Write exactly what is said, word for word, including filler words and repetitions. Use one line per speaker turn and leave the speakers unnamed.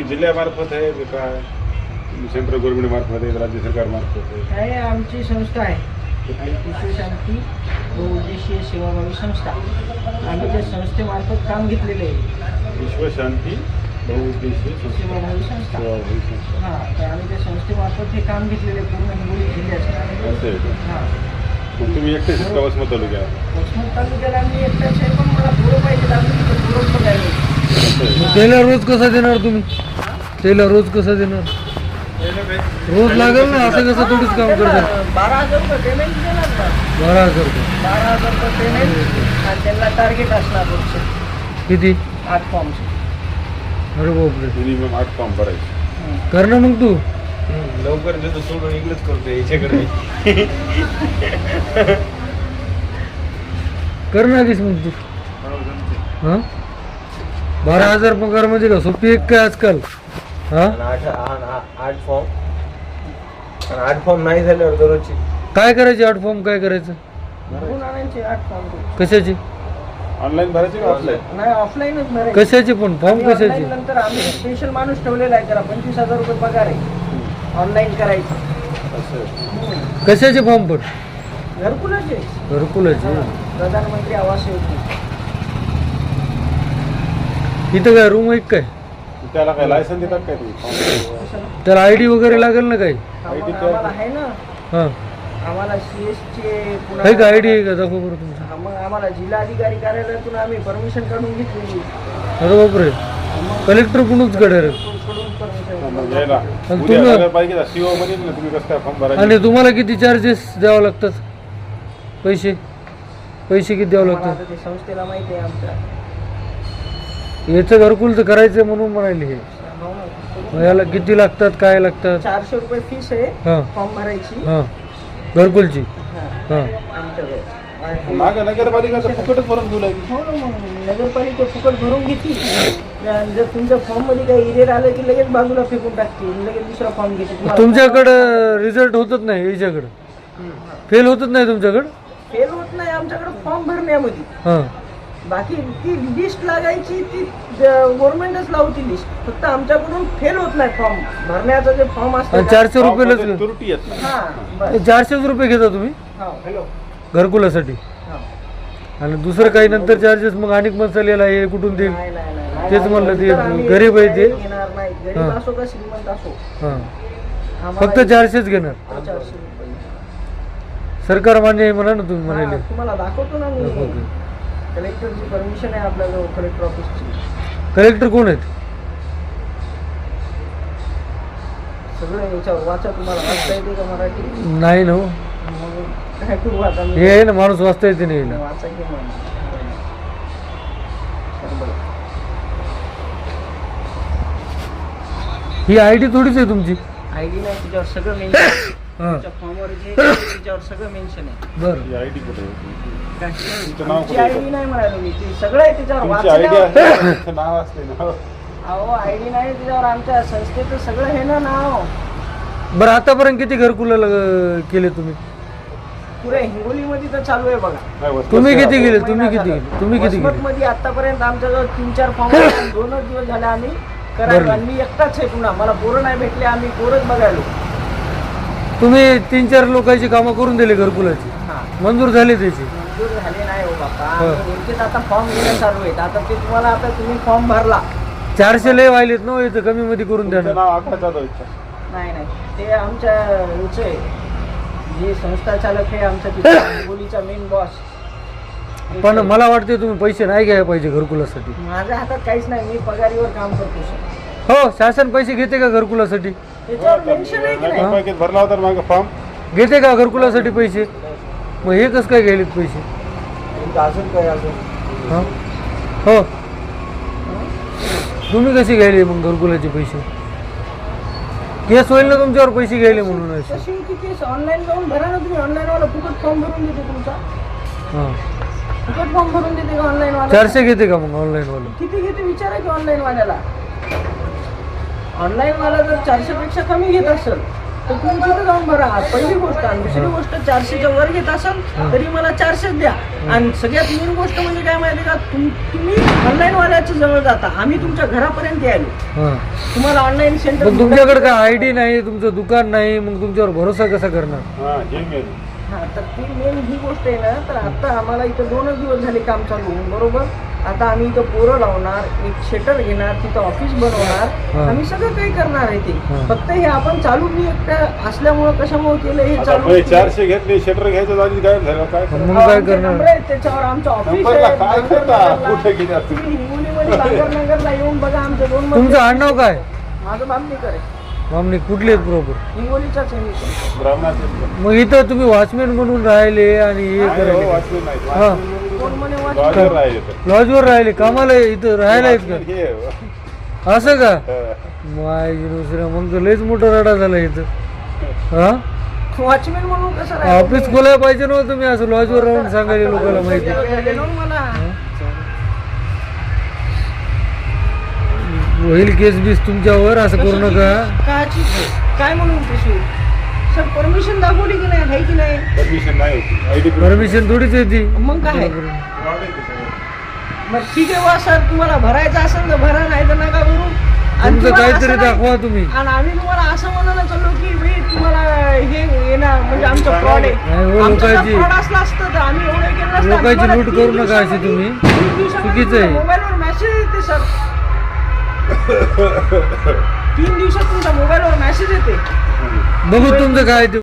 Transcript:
तुमची जिल्ह्यामार्फत आहे की काय सेंट्रल गव्हर्नमेंट मार्फत आहे राज्य सरकार मार्फत आहे?
आहे आमची संस्था आहे आणि विश्वशांती बहुउद्देशीय सेवाभावी संस्था. आम्ही त्या संस्थेमार्फत काम घेतलेले आहे.
विश्वशांती बहुउद्देशीय
सेवाभावी संस्था.
सेवाभावी संस्था.
हां, तर आम्ही त्या संस्थेमार्फत हे काम घेतलेले आहे पूर्ण हिंगोली जिल्ह्याचं.
असं आहे का?
हां,
मग तुम्ही एकटेच का वसमत तालुक्यात?
वसमत तालुक्याला आम्ही एकटाच आहे, पण मला पोरं पाहिजे. आम्ही तिथं पोरं पण आहे.
असं आहे.
त्याला रोज कसा देणार तुम्ही? त्याला रोज कसा देणार? रोज लागेल ना, असं कसं थोडीच काम करतात.
बारा हजार रुपये पेमेंट देणार ना.
बारा हजार रुपये
बारा हजार रुपये पेमेंट आणि त्यांना टार्गेट असणार रोजचे
किती?
आठ फॉर्मचे.
अरे बापरे,
मिनिमम आठ फॉर्म भरायचे.
कर ना मग तू.
लवकर देतो सोडून इकडेच करतो याच्याकडे.
कर ना आधीच मग तू. हां, बारा हजार पगार म्हणजे का सोपी एक काय आजकाल? हां,
आठ आठ आठ फॉर्म आणि आठ फॉर्म नाही झाल्यावर दररोजची
काय करायचे आठ फॉर्म? काय करायचं?
भरून आणायचे आठ फॉर्म.
कशाची?
ऑनलाईन भरायचे का ऑफलाईन?
नाही, ऑफलाईनच भरायचे.
कशाची पण फॉर्म
आणि
कशाची?
online नंतर आम्ही स्पेशल माणूस ठेवलेला आहे, त्याला पंचवीस हजार रुपये पगार आहे ऑनलाईन करायचं.
असं आहे.
कशाचे फॉर्म पण?
घरकुलाचे.
घरकुलाचे.
प्रधानमंत्री आवास योजना.
इथं काय रूम आहे का काय?
त्याला काय लायसन देतात काय तुम्ही?
त्याला आय डी वगैरे लागेल ना काही?
आम्हाला आम्हाला आहे ना,
हां,
आम्हाला सी एस चे
आहे का आय डी आहे का? दाखव बरं तुमचं.
हा, मग आम्हाला जिल्हाधिकारी कार्यालयातून आम्ही परमिशन काढून घेतलेली.
अरे बापरे, कलेक्टर कुणच कडे रे.
कडून permission.
मग यायला
आणि
उद्या
तुम्ही-
सगळं पाहिजे ना सीओ मध्ये ना तुम्ही कसं काय फॉर्म भरायचे?
आणि तुम्हाला किती चार्जेस द्यावं लागतात? पैसे पैसे किती द्यावं
आम्हाला
लागतात?
आता ते संस्थेला माहिती आहे आमच्या.
याचं घरकुल तर करायचं म्हणून म्हणाले हे. मग याला किती लागतात, काय लागतात?
चारशे रुपये फीस आहे
हां
फॉर्म भरायची.
हां, घरकुलची.
हा,
हां,
आमच्याकडे.
माग नगरपालिका तर फुकटच भरून घेऊ लागली.
हो ना, मग नगरपालिका फुकट भरून घेतली. आणि जर तुमच्या फॉर्म मध्ये काही इरेर आलं की लगेच बाजूला फेकून टाकते, लगेच दुसरा फॉर्म घेते. तुम्हाला-
तुमच्याकडं रिझल्ट होतच नाही, याच्याकडं फेल होतच नाही तुमच्याकडं?
फेल होत नाही आमच्याकडे फॉर्म भरण्यामध्ये.
हां,
बाकी ती लिस्ट लागायची ती गव्हर्नमेंटच लावती लिस्ट, फक्त आमच्याकडून फेल होत नाही फॉर्म भरण्याचा जे फॉर्म असतो.
आणि चारशे रुपयालाच
फॉर्ममध्ये त्रुटी येत नाही.
हा, बस.
चारशेच रुपये घेता तुम्ही
हा, हॅलो.
घरकुलासाठी?
हा.
आणि दुसरं काही नंतर चार्जेस मग अनेक मसालेला हे कुठून देईल?
नाही, नाही, नाही, नाही.
तेच म्हणलं ते
नंतर आम्ही
गरीब आहे ते.
घेणार नाही, गरीब
हा.
असो का श्रीमंत असो.
हां,
आम्हाला
फक्त चारशेच घेणार?
चारशे रुपये.
सरकार मान्य आहे म्हणा ना तुम्ही
हा,
म्हणाले.
तुम्हाला दाखवतो ना मी.
ओके.
कलेक्टरची परमिशन आहे आपल्याजवळ, कलेक्टर ऑफिसची.
कलेक्टर कोण आहेत?
सगळं याच्यावर वाचा, तुम्हाला वाचता येते का मराठी?
नाही ना हो.
मग काय करू आता मी?
हे आहे ना, माणूस वाचता येते नाही ना.
वाचा की मग. बरं.
ही आय डी थोडीच आहे तुमची.
आयडी नाही, तिच्यावर सगळं मेन्शन.
हां,
तुमच्या फॉर्मवर जे आहे, तिच्यावर सगळं मेन्शन आहे.
बरं.
ही आयडी कुठे आहे?
काय?
तुमचं नाव
आमची
कुठे आहे?
आयडी नाही म्हणालो मी, ते सगळं आहे त्याच्यावर.
तुमची आयडी
वाचल्यावर-
आहे तुमचं नाव असते ना.
अहो, आयडी नाही त्याच्यावर, आमच्या संस्थेचं सगळं हे ना नाव.
बरं, आतापर्यंत किती घरकुला केले तुम्ही?
पुरे हिंगोलीमध्ये तर चालू आहे बघा.
नाही, वस्तू
तुम्ही
असते.
किती गेले? तुम्ही किती गेले? तुम्ही किती गेले?
मध्ये आतापर्यंत आमच्याजवळ तीन चार फॉर्म दोनच दिवस झाले आम्ही करायला.
बरं.
आणि मी एकटाच आहे पुन्हा, मला पोरं नाही भेटले, आम्ही पोरच बघायलो.
तुम्ही तीन चार लोकांची कामं करून दिली घरकुलाची,
हा,
मंजूर झाली त्याची?
मंजूर झाले नाही हो बाबा.
हो.
यांचेच आता फॉर्म घेणं चालू आहेत. आता ते तुम्हाला, आता तुम्ही फॉर्म भरला.
चारशे लय व्हायलेत ना, इथं कमी मध्ये करून द्या
तुमचं
ना.
नाव आकाश जाधव आहे.
नाही नाही, ते आमच्या ह्याचं आहे, जे संस्था चालक आहे आमच्या तिथे हिंगोलीचा मेन बॉस.
पण मला वाटते तुम्ही पैसे नाही घ्यायला पाहिजे घरकुलासाठी.
माझ्या हातात काहीच नाही, मी पगारीवर काम करतो सर.
हो, शासन पैसे घेते का घरकुलासाठी?
त्याच्यावर मेन्शन आहे की नाही?
नगरपालिकेत भरला होता मागे फॉर्म.
घेते का घरकुलासाठी पैसे? मग हे कसं काय घ्यायलेत पैसे?
अजून काय अजून
हां, हो, तुम्ही कसे घ्यायले मग घरकुलाचे पैसे? केस होईल ना तुमच्यावर पैसे घ्यायले म्हणून असे.
तशी होती केस. ऑनलाईन जाऊन भरा ना तुम्ही. ऑनलाईन वाला फुकट फॉर्म भरून देते तुमचा.
हां,
फुकट फॉर्म भरून देते का ऑनलाईन वाला?
चारशे घेते का मग ऑनलाईन वाला?
किती घेते विचारा की ऑनलाईन वाल्याला. ऑनलाईन वाला जर चारशे पेक्षा कमी घेत असेल तर तुम्ही तिथे जाऊन भरा. पहिली गोष्ट. आणि दुसरी गोष्ट, चारशेच्या वर घेत असाल तरी मला चारशेच द्या. आणि सगळ्यात मेन गोष्ट म्हणजे काय माहिती का, तुम तुम्ही ऑनलाईन वाल्याच्या जवळ जाता, आम्ही तुमच्या घरापर्यंत यायलो.
हा.
तुम्हाला ऑनलाईन सेंटर
पण तुमच्याकडे काय आय डी नाही, तुमचं दुकान नाही, मग तुमच्यावर भरोसा कसा करणार?
हा हे मेन.
हा, तर ती मेन ही गोष्ट आहे ना. तर आता आम्हाला इथं दोनच दिवस झाले काम चालू होऊन, बरोबर. आता आम्ही इथं पोरं लावणार, एक शेटर घेणार, तिथं ऑफिस बनवणार,
हा.
आम्ही सगळं काही करणार आहे ते.
हा.
फक्त हे आपण चालू मी एकटं असल्यामुळं कशामुळे केलं हे
आता
चालू
पहिले चारशे घेतले, शटर घ्यायचं आधी काय झालं काय
मग
करणार?
मग काय
आमचे
करणार?
नंबर आहेत, त्याच्यावर आमचं ऑफिस
नंबरला
आहे.
काय करता?
बांगरनगरला-
कुठे घेतात तुम्ही?
तुम्ही हिंगोलीमध्ये बांगरनगरला येऊन बघा आमचं दोन मजले-
तुमचं आडनाव काय?
माझं बामणीकर आहे.
मामणी कुठले आहेत प्रॉपर?
हिंगोलीचाच आहे मी पण.
ब्राह्मणाचे
मग इथं तुम्ही वॉचमॅन म्हणून राहिले आणि हे
नाही हो,
करायले
वाचले नाही.
हा.
कोण म्हणे वाच-
लॉजर राहिले तर.
लॉजवर राहिले, कामाला इथं राहायला आहेत
वाचले
का?
हे,
असं का?
हा.
माय दुसऱ्या मग तर लयच मोठा रडा झाला इथं. हा,
वॉचमॅन म्हणून कसं राहिलं
ऑफिस
तुम्ही?
खोलायला पाहिजे नव्हतं तुम्ही असं लॉजवर राहून सांगायला लोकांना माहिती.
गेलो ना मला.
होईल केस बीस तुमच्यावर, असं करू नका.
काची काय म्हणून तशी सर परमिशन दाखवली की नाही, आहे की नाही?
परमिशन नाही होती. आयडी
परमिशन थोडीच येते.
मग काय? मग ठीक आहे वा सर, तुम्हाला भरायचं असेल तर भरा, नाही तर नका भरू. आणि
तुमचं
तुम्हाला
काहीतरी
असं नाही-
दाखवा तुम्ही.
आणि आम्ही तुम्हाला असं म्हणायला चाललो की भाई तुम्हाला हे येणार म्हणजे आमचं
नाही,
फ्रॉड
नाही,
आहे.
हो,
आमचं जर
लोकांची-
फ्रॉड असलं असतं तर आम्ही एवढं केलं नसतं.
लोकांची
आम्हाला
लूट
तीन
करू नका अशी
दिवसामध्ये-
तुम्ही.
तीन दिवसामध्ये
चुकीचं आहे.
तुमच्या मोबाईलवर मेसेज येते सर. तीन दिवसात तुमच्या मोबाईलवर मेसेज येते.
बघू तुमचं काय ते.